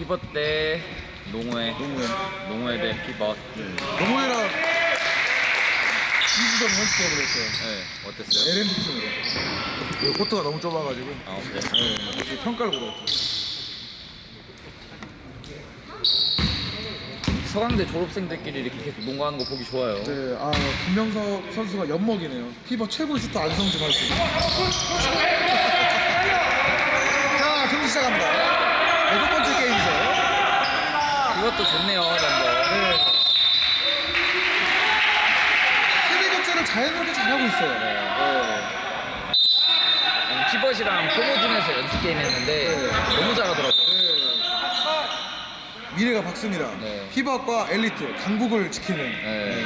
피벗 대 농구회. 농구회 대 피벗. 농구회랑 2주전 연습해보려 했어요. 네, 어땠어요? LMB 팀으로. 코트가 너무 좁아가지고. 아, 그래? 네, 평가를 보러했죠. 서강대 졸업생들끼리 이렇게 계속 농구하는 거 보기 좋아요. 네, 김명석 선수가 엿먹이네요. 피버 최고 슈터 안성준 할 수. 자, 경기 시작합니다. 6번째 게임이죠. 이것도 좋네요, 멤버. 네. 세대 교체를 자연스럽게 잘하고 있어요. 피벗이랑 프로진에서 연습 게임 했는데 너무 잘하더라고요. 미래가 박습니다. 네. 피버과 엘리트, 강국을 지키는. 네.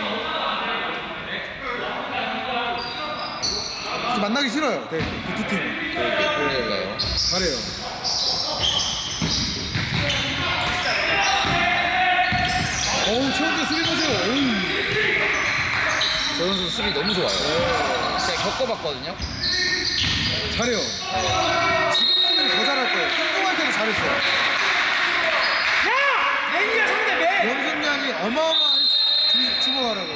만나기 싫어요. 네, 그 두 팀은. 그러니까요. 잘해요. 어우, 최원재 수비 보세요. 어우. 저 선수 수비 너무 좋아요. 제가 겪어봤거든요. 잘해요. 지금은 더 잘할 거예요. 운동할 때도 잘했어요. 야! 맨이야 상대 맨! 연습량이 어마어마한 주목하라고.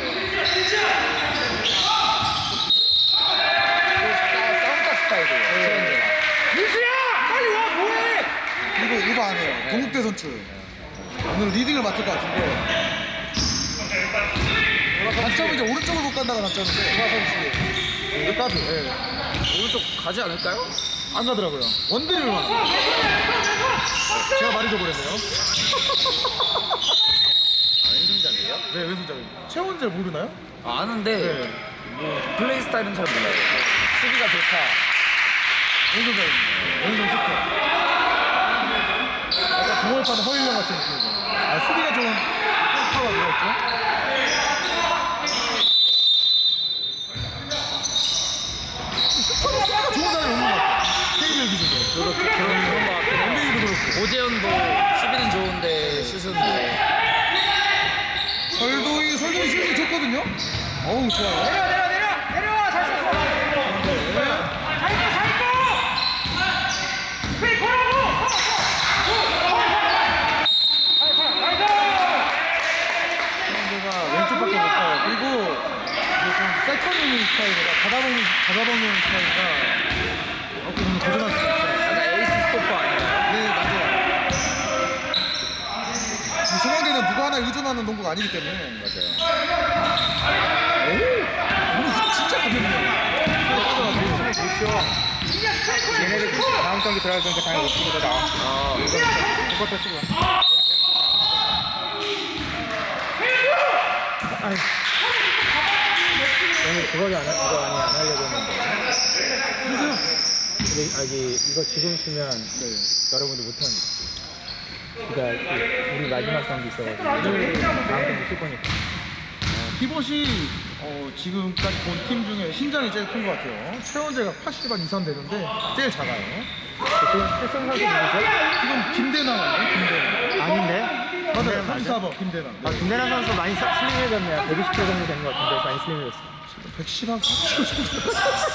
싸움각 스타일이에요. 최현재가. 민수야! 빨리 와 뭐해! 이거 안 해요. 동국대 선출. 오늘 리딩을 맡을 것 같은데. 단점은 이제 오른쪽을 못 간다가 단점인데. 이거 까비. 오른쪽 가지 않을까요? 안 가더라고요. 원드릴만. 제가 말이 줘버렸네요. 왼손잡이에요? 네, 왼손잡이. 최원재 모르나요? 아는데 네. 뭐 플레이 스타일은 잘 몰라요. 수비가 좋다. 왼손잡이. 왼손 슈터. 약간 동호회파는 허일령 같은 느낌이죠. 수비가 좀 파가 들어있죠? 슈터는 수비가 좋은 사람이 없는 것 같아요. KBL 기준으로. 그런 거 같긴 해요. NBA도 그렇고. 오재현도 수비는 좋은데 슛은 설동이 슛이 좋거든요? 어우, 좋아요. 내려와 잘 쐈어! 잘 있고! 그래 보라고! 선수가 왼쪽밖에 못 가요. 그리고 이제 좀 세컨인 스타일이라 받아먹는 스타일이라 어떻게 보면 도전할 수 있어요. 약간 에이스 스토퍼 아닌가요? 네, 맞아요. 이 소강대는 누구 하나 의존하는 농구가 아니기 때문에. 맞아요. 오늘 진짜 가볍네요. 얘네들 다음 경기 들어갈 거니까 당연히 못 쓰고 나와. 이것도 쓰고. 오늘 그거 많이 안 하려고 했는데. 근데 이거 지금 쓰면 여러분들 못합니다. 그러니까 우리 마지막 경기 있어가지고 다음 경기 쓸 거니까. 피벗이 지금까지 본 팀 중에 신장이 제일 큰 것 같아요. 최원재가 80안 이상 되는데 제일 작아요. 지금 실성 선수 누구죠? 지금 김대남이에요. 김대남. 아닌데? 맞아요. 34번 김대남. 아, 김대남 선수 많이 슬림해졌네요. 120kg 정도 된 것 같은데 많이 슬림해졌어요. 110한 40kg 정도.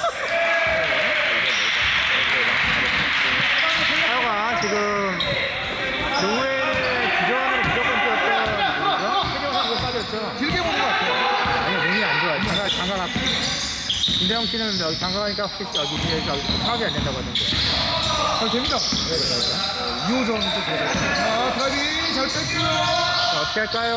하여가 지금 농구에는 주전으로 무조건 뛰었던 누구죠? 최경 선수 빠졌죠? 길게 보는 것 같아요. 아니 몸이 안 좋아요. 장가가 김대영 씨는 여기 장가가니까 여기 파악이 안 된다고 하던데. 잘 됩니다. 네, 2호전은 또 그러죠. 드라이빙 잘 뺐고요. 자, 어떻게 할까요?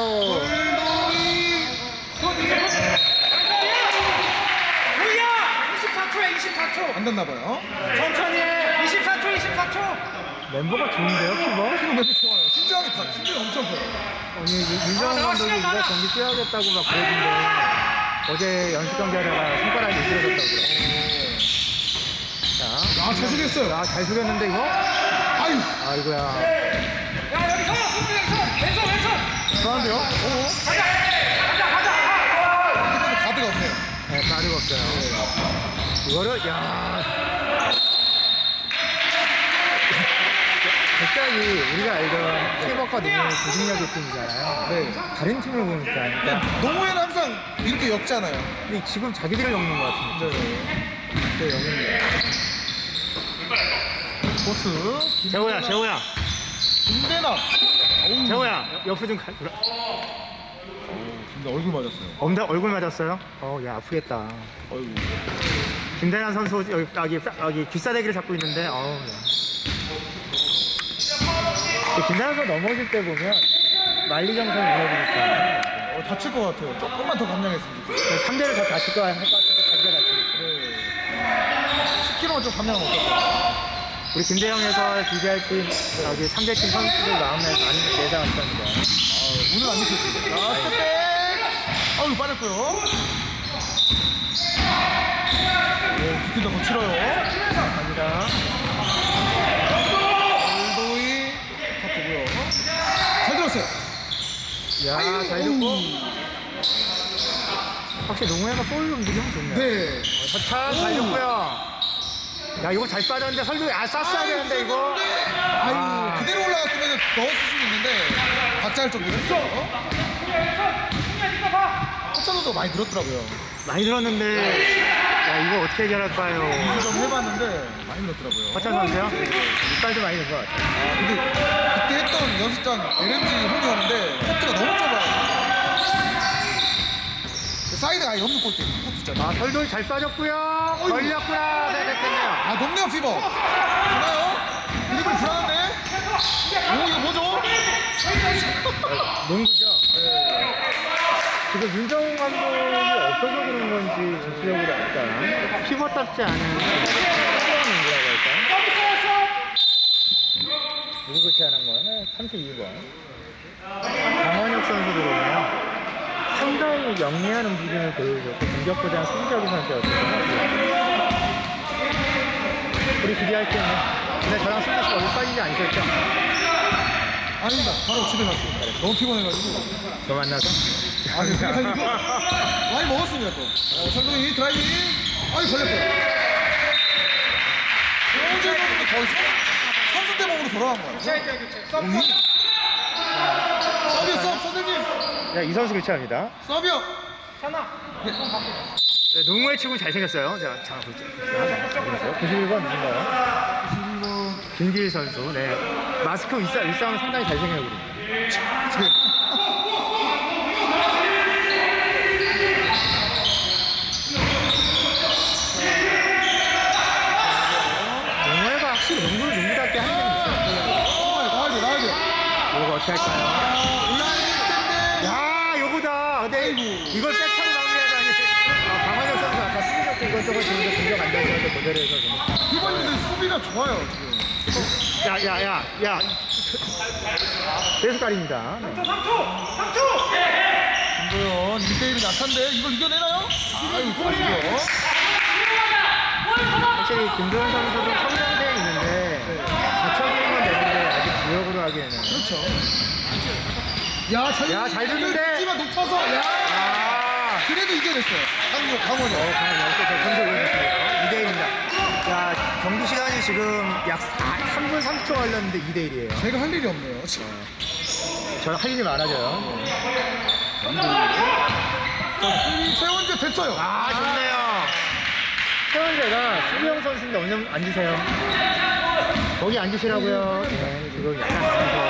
우리야! 24초야 24초! 안 됐나봐요. 천천히 해! 24초! 멤버가 좋은데요, 피버? 지금 멤버 좋아요. 신장이 엄청 커요. 아니 윤정환 감독이 이거 경기 뛰어야겠다고 막 그러던데 어제 연습 경기 하다가 손가락이 미끄러졌다고 그래요. 자, 잘 속였어요. 잘 속였는데 이거? 아유, 아이고야. 야 여기서! 왼손! 좋아한데요? 가드가 없네요. 네, 빠르가 없어요. 이거를 갑자기 우리가 알던 피버과 농구의 조직력의 팀이잖아요. 네. 다른 팀을 보니까 그러니까 농구에는 항상 이렇게 엮잖아요. 근데 지금 자기들을 엮는 것 같은데. 네, 엮는데. 보스. 재호야. 김대남. 재호야, 옆으로 좀 가. 근데 얼굴 맞았어요. 얼굴 맞았어요? 야, 아프겠다. 어이구. 김대란 선수 여기 귀싸대기를 잡고 있는데, 야. 김대란 선수 넘어질 때 보면 만리정선이 무너지니까 다칠 것 같아요. 조금만 더 감량했으면 좋겠어요. 상대를 더 다칠 거 같은데 자기가 다치겠어. 네. 10kg만 좀 감량하면 어떨까요? 우리 김대영에서 비교할 팀 여기 상대팀 선수들 마음에 많이 예상을 했었는데 오늘 안 미쳤습니다. 자, 스텝백! 아유, 빠졌고요. 오, 두팀 다 거칠어요. 갑니다. 올도이 카트고요. 잘 들었어요. 야, 잘 됐고 확실히 농구회가 볼로 움직이면 좋네요. 네. 서찬 잘 됐고요. 야, 이거 잘 빠졌는데 설득 쐈어야 되는데 이거. 아유, 그대로 올라갔으면 넣었을 수는 있는데 박자를 좀 늦었어요. 허찬 선수가 많이 늘었더라고요. 많이 들었는데 야, 이거 어떻게 해결할까요? 이거 좀 해봤는데 많이 늘었더라고요. 허찬 선수요? 이빨도 많이 든 것 같아요. 근데 그때 했던 연습장 LMG 홈이었는데 코트가 너무 좁아요. 사이드가 아예 없는 코트 있잖아요. 설돌 잘 빠졌고요. 걸렸구나. 네, 됐네요. 높네요, 피버. 되나요? 드리블 불안한데? 오, 이거 뭐죠? 농구죠. 지금 윤정훈 감독이 없어서 그런 건지 전체적으로 약간 피벗답지 않은 피벗 농구라고 할까요? 누구 교체하는 거예요? 32번. 강원혁 선수 들어오네요. 상당히 영리한 움직임을 보여줬고 공격보다는 수비적인 선수였거든요. 우리 기대할 때는 근데 저랑 승부 씨가 어디 빠지지 않으셨죠? 아닙니다. 바로 집에 갔습니다. 너무 피곤해가지고. 저 만나서? 아니, 그게 아니고 많이 먹었습니다, 또. 선동이 드라이빙. 아이, 걸렸고요. 언제 먹으면 거의 선수 때 몸으로 돌아간 거야. 교체. 서비어, 선생님. 자, 이 선수 교체합니다. 서비어. 네, 농구의 치고는 잘생겼어요. 자, 봅시다. 91번 누군가요? 91번. 김기일 선수. 네. 마스크 윗사람은 상당히 잘생겨요, 우리. 농구회가 확실히 농구를 농구답게 하는 게 있어요. 나와야 돼. 이거 어떻게 할까요? 야, 요거다. 근데 이걸 백차로 마무리하다니. 강환혁 선수 아까 수비적 때 이것저것 지는데 공격 안 되는데 그대로 해서 좀. 피버님들 수비가 좋아요, 지금. 야. 대수깔입니다. 네. 김도현 1대1이 약한데 이걸 이겨내나요? 이거 좋아요. 확실히 김도현 선수도 성장세에 있는데 받쳐주는 건 되는데 아직 구역으로 하기에는. 그렇죠. 야, 잘 듣는데? 가 높아서, 그래도 이겨냈어요. 강원이. 점수 올려주시고요. 2대1입니다. 야, 경기 시간이 지금 약 3분 30초 걸렸는데 2대1이에요. 제가 할 일이 없네요. 저는 할 일이 많아져요. 최원재 됐어요. 좋네요. 최원재가 수비형 선수인데 언제 앉으세요? 거기 앉으시라고요. 네, 지금 약간 무서워요.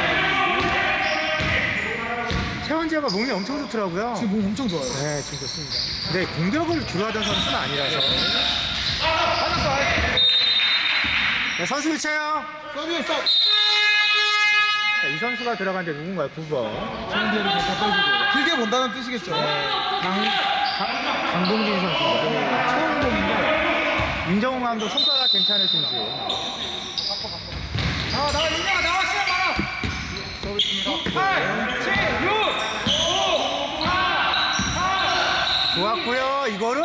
최원재가 몸이 엄청 좋더라고요. 지금 몸 엄청 좋아요. 네, 지금 좋습니다. 근데 공격을 주로 하던 선수는 아니라서. 네, 선수 교체요. 서비에 서. 이 선수가 들어간 데 누군가요? 9번. 최원재를 더 빼주고. 길게 본다는 뜻이겠죠. 강동진 선수인가요? 처음 보는데. 윤정훈 감독 손가락 괜찮으신지. 나와, 윤영아, 나와, 시간 많아. 서비스입니다. 8, 7, 6, 5, 4, 4. 좋았고요. 이거를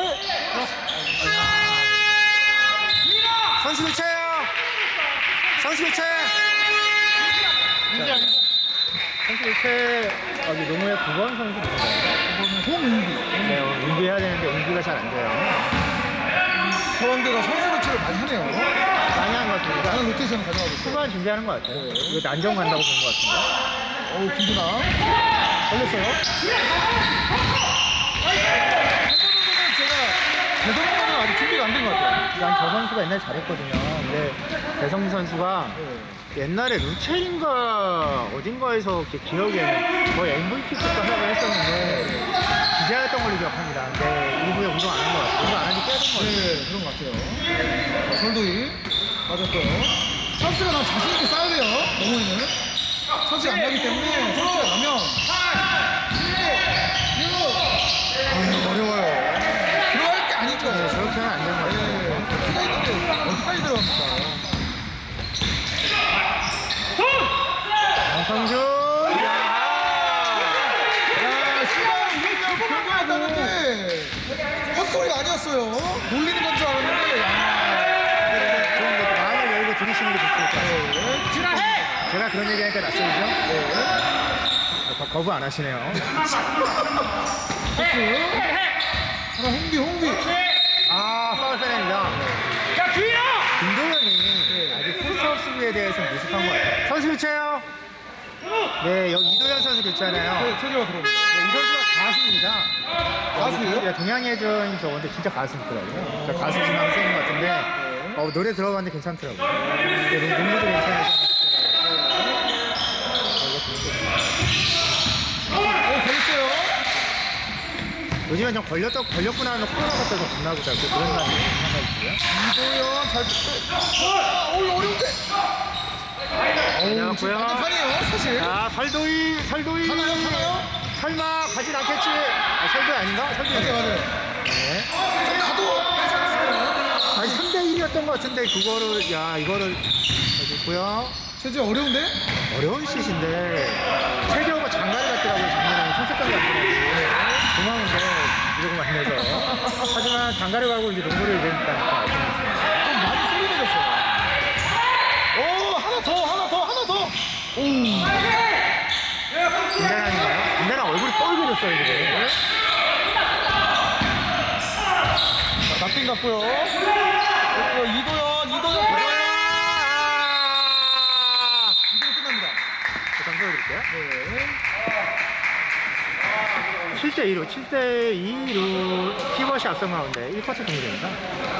선수 교체요. 선수 교체. 선수 교체. 여기 농구의 9번 선수 누군가요? 이거는 홍은비. 네, 운기해야 되는데 운기가 잘 안 돼요. 서원대가 선수 교체를 많이 하네요. 많이 한 것 같습니다. 나는 로테이션 가져가고 있어요. 후반 준비하는 것 같아요. 이거 난정 간다고 본 것 같은데. 어우, 김준아. 걸렸어요. 제가 대성공은 아직 준비가 안 된 것 같아요. 난 저 선수가 옛날에 잘했거든요. 근데 배성민 선수가 옛날에 루첼인가 어딘가에서 이렇게 기억에는 거의 MVP급 활약을 했었는데 기자였던 걸로 기억합니다. 근데 이후에 운동 안 한 것 같아요. 운동 안 한 지 꽤 된 것 같아요. 네, 그런 것 같아요. 자, 설도희 맞았고요. 찬스가 난 자신 있게 싸야 돼요. 너무에는 찬스가 안 나기 때문에 찬스가 나면 어려워요. 들어갈 게 아니죠. 네, 저렇게 하면 안 되는 것 같아요. 키가 있는데 어디까지 들어갑니까? 양성준! 야, 시간 이기면 그런 거였다는데 헛소리가 아니었어요. 놀리는 건 줄 알았는데 좋은 거 마음을 열고 들으시는 게 좋을 것 같아요. 지나해! 제가 그런 얘기 하니까 낯설죠? 네. 거부 안 하시네요. 하나 홍비 아, 파울 페널입니다. 김도현이 아직 풀스업 수비에 대해서 미숙한 것 같아요. 선수 교체요. 네, 여기 이도현 선수 교체하나요? 체제가 들어옵니다. 네, 이 선수가 가수입니다. 가수예요? 네, 동양예전 저건데 진짜 가수 있더라고요. 저 가수 지망 쓰는 것 같은데 노래 들어봤는데 괜찮더라고요. 네, 농구도 괜찮아서. 걸렸어요. 요즘엔 좀 걸렸구나 하는 코로나 같아서 겁나고 자꾸 그런 거 아니에요? 이도현 잘 어려운데. 안녕하고요. 반대판이에요, 사실. 자, 설도희. 하나요? 설마 가진 않겠지? 설도희 아닌가? 설도희. 맞아요. 네. 가도 아니 3대1이었던 것 같은데 이거를 여기 있고요. 체제 어려운데? 어려운 슛인데 체리오가 장가를 갔더라고요. 작년에 청첩장 갔더라고요. 고마운데 이러고 만나서 하지만 장가를 가고 이제 농구를 이러니까 좀 많이 소리 내렸어요. 오, 하나 더. 오. 김대란인가요? 김대란 얼굴이 뻘개졌어요 지금. 자, 납빈 같고요. 이도현. 이도현 끝납니다. 잠깐 보여드릴게요. 네. 7대2로 키버시 앞선 가운데 1쿼터 종료됩니다.